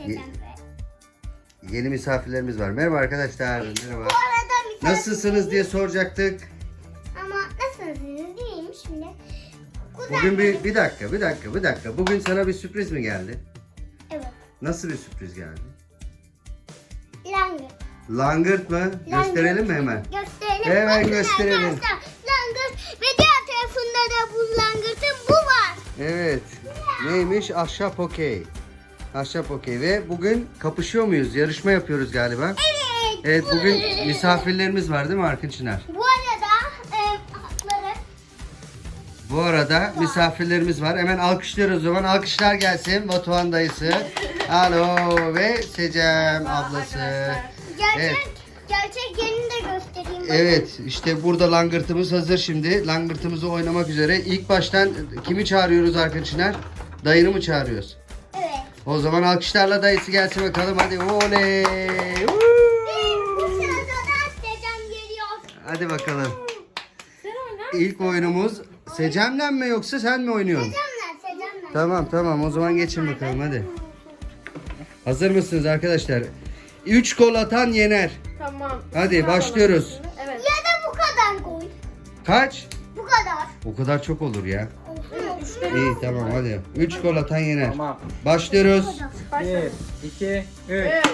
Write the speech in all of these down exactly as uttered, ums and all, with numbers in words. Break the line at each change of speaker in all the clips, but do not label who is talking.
Ye-
Yeni misafirlerimiz var. Merhaba arkadaşlar. Merhaba.
Bu arada misafir-
Nasılsınız diye soracaktık.
Ama nasılsınız diyeyim şimdi.
Bugün bir, bir dakika, bir dakika, bir dakika. Bugün sana bir sürpriz mi geldi?
Evet.
Nasıl bir sürpriz geldi?
Langırt.
Langırt mı?
Langırt.
Gösterelim mi hemen?
Gösterelim.
Hemen
Bakın
gösterelim.
arkadaşlar, langırt ve diğer tarafında da bu langırtın bu var.
Evet. Neymiş? Ahşap okey. Ahşap okey ve bugün kapışıyor muyuz? Yarışma yapıyoruz galiba.
Evet.
Evet, bugün misafirlerimiz var değil mi Arkın Çınar?
Bu arada e, hakları.
Bu arada misafirlerimiz var. Hemen alkışlıyoruz o zaman. Alkışlar gelsin. Batuhan dayısı. Alo ve Secem ablası.
Gerçek,
Evet.
gerçek yerini de göstereyim. bakın.
Evet, işte burada langırtımız hazır şimdi. Langırtımızı oynamak üzere. İlk baştan kimi çağırıyoruz Arkın Çınar? Dayını mı çağırıyoruz?
Evet.
O zaman alkışlarla dayısı gelsin bakalım. Hadi oley. Woo!
Bu sırada da Secem geliyor.
Hadi bakalım. İlk oyunumuz Secem'le mi yoksa sen mi oynuyorsun?
Secem'le, Secem'le.
Tamam tamam, o zaman geçin bakalım hadi. Hazır mısınız arkadaşlar? üç gol atan yener.
Tamam.
Hadi başlıyoruz.
Evet.
Ya da bu kadar koy.
Kaç?
Bu kadar.
O kadar çok olur ya.
Olsun olsun.
İyi tamam hadi. üç gol atan yener.
Tamam.
Başlıyoruz.
Bir, iki, üç.
Evet.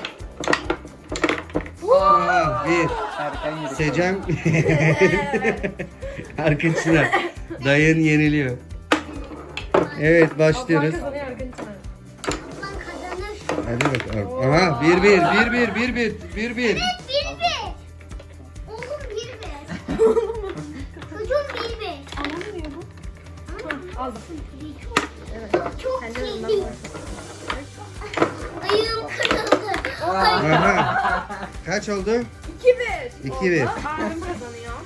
Aa, bir.
Erken yedik.
Secem. Arkın Çınar. Dayın yeniliyor. Evet başlıyoruz.
Ablan kazanıyor Argentina.
Ablan kazanır.
Hadi bakalım. Aha bir bir bir bir bir bir bir bir.
Evet bir bir. Oğlum bir bir. Çocuğum bir bir.
Anlamıyor bu. Az.
Çok, çok
Kendine
iyi.
ondan
Ayağım kırıldı. Ay.
Aha. Kaç oldu?
iki bir.
iki bir.
Abim kazanıyor.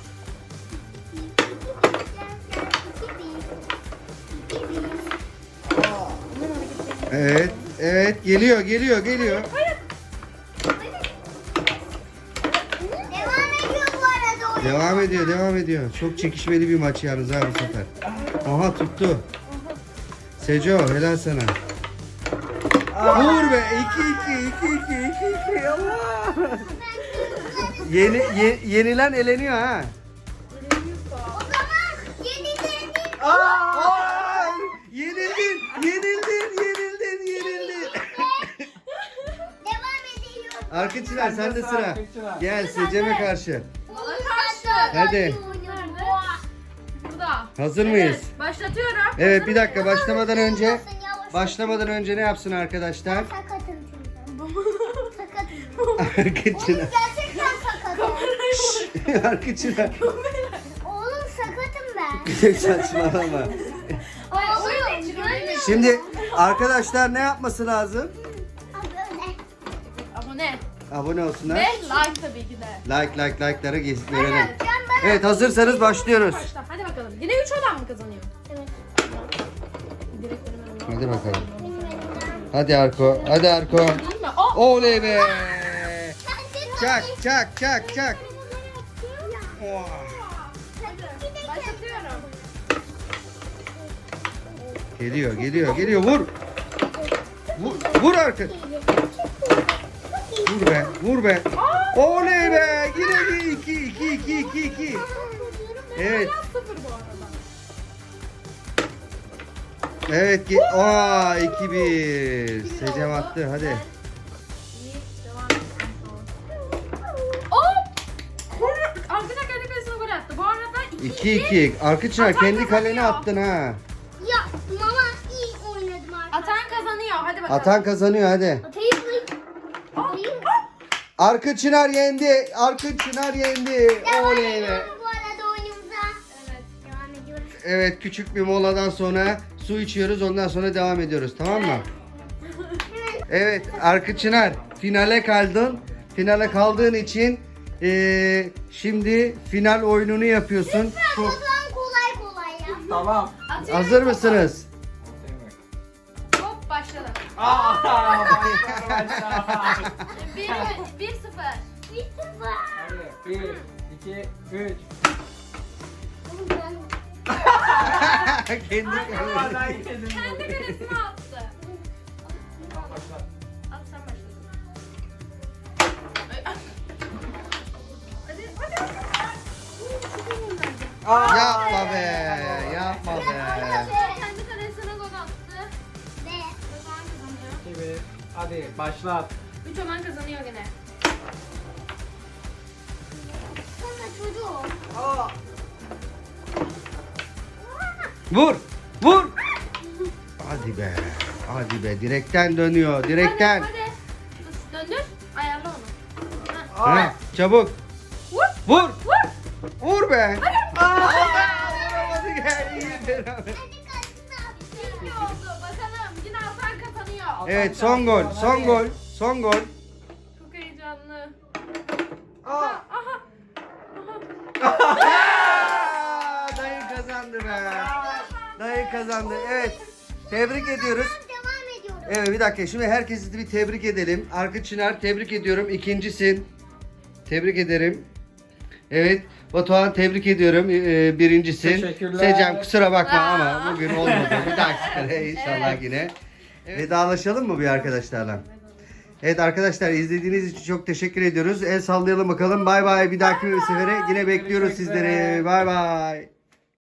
Evet. Evet geliyor geliyor geliyor.
Devam ediyor bu arada oyun.
Devam ediyor devam ediyor. Çok çekişmeli bir maç yalnız ha bu sefer. Aha tuttu. Seco helal sana. Vur be. iki iki iki iki iki iki. Allah. Yeni ye- yenilen eleniyor ha.
O zaman yenilerini
Aa, yenildin, yenildin, yenildin, yenildin.
devam ediyor.
Arkın Çınar sende sıra.
Arkın Çınar.
Gel Secem'e karşı.
Bana karşı.
Hadi.
Burada.
Hazır mıyız?
Evet, başlatıyorum.
Evet bir dakika başlamadan önce
Yavaş.
başlamadan önce ne yapsın arkadaşlar?
Sakatım çünkü. Sakatım.
Arkın
Oğlum
Çınar.
gerçekten sakatım.
Arkın Çınar.
Oğlum sakatım ben.
Saçmalama.
Ay oğlum görmüyor.
Şimdi arkadaşlar ne yapması lazım?
Böyle.
Abone.
Abone olsunlar.
Ve like tabii ki de.
Like like like'ları gez- verelim.
Can bana.
Evet hazırsanız başlıyoruz.
Başla. Hadi bakalım. Yine üç olan mı kazanıyor?
Evet.
Direkt önüme
Hadi bakalım. Hadi Arko. Hadi Arko.
Değil mi? Oh!
Oley be.
Sen de
Çak çak çak çak. Oh.
Başlatıyorum.
Geliyor geliyor geliyor vur. Vur, vur artık. Vur be vur be. Oley be. Yine bir iki iki iki iki iki. Evet.
Sıfır bu arada.
Evet. ge- Aa iki bir. Secem attı hadi.
İyi. Devam edelim. Oh! Arkadaşlar kendi kalesine gol attı. Bu arada iki
iki iki. Arkı Çınar kendi kalene attın ha.
Ya mama iyi oynadım artık.
Atan kazanıyor. Hadi bakalım.
Atan kazanıyor hadi.
Atayım mı? Atayım mı?
Arkın Çınar yendi. Arkın Çınar yendi.
Devam
Oley be.
ediyoruz bu arada oyunumuza.
Evet.
Devam ediyoruz.
Evet küçük bir moladan sonra su içiyoruz ondan sonra devam ediyoruz tamam mı? Evet Arkın Çınar finale kaldın. Finale kaldığın için eee, şimdi final oyununu yapıyorsun.
O zaman kolay kolay ya.
Tamam.
Atıyorum.
Hazır mısınız?
Hop başladı.
Aa, başla.
Bir, bir sıfır.
Bir sıfır.
Hadi. Bir, iki, üç.
Oğlum ben
Kendi
Aa, ben yedim.
Kendi kalesine attı.
Başla. Aa!
Yapma be. Yapma be.
Kendi kalesine gol attı.
Ve
Ömer kazanıyor.
iki bir. Hadi başlat.
Üç Ömer kazanıyor gene.
sonra çocuğum.
Aa!
Vur. Vur. Hadi be. Hadi be. Direkten dönüyor. Direkten.
Hadi, hadi. Döndür. Ayarla onu. Ha.
Ha, çabuk.
Vur.
Vur.
Vur.
Vur be. Aa, vuramadı gel. İyi beraber.
Hadi kaçsın abi.
İyi oldu. Bakalım. Yine Hasan kazanıyor.
Evet son gol. Son gol. Son gol.
Çok heyecanlı.
Aa!
Aha. Aha.
Aa, dayı kazandı be. Dayı kazandı. Evet. Tebrik ediyoruz.
Devam ediyorum.
Evet bir dakika şimdi herkesi bir tebrik edelim. Arka Çınar tebrik ediyorum. İkincisin. Tebrik ederim. Evet. Batuhan tebrik ediyorum. Ee, birincisin.
Teşekkürler.
Secem kusura bakma
Aa.
ama bugün olmadı. Bir dahaki sefere inşallah
Evet.
yine. Vedalaşalım mı bir arkadaşlarla? Evet arkadaşlar izlediğiniz için çok teşekkür ediyoruz. El sallayalım bakalım. Bay bay. Bir dahaki sefere yine bekliyoruz
Görüşmek üzere.
sizleri. Bay bay.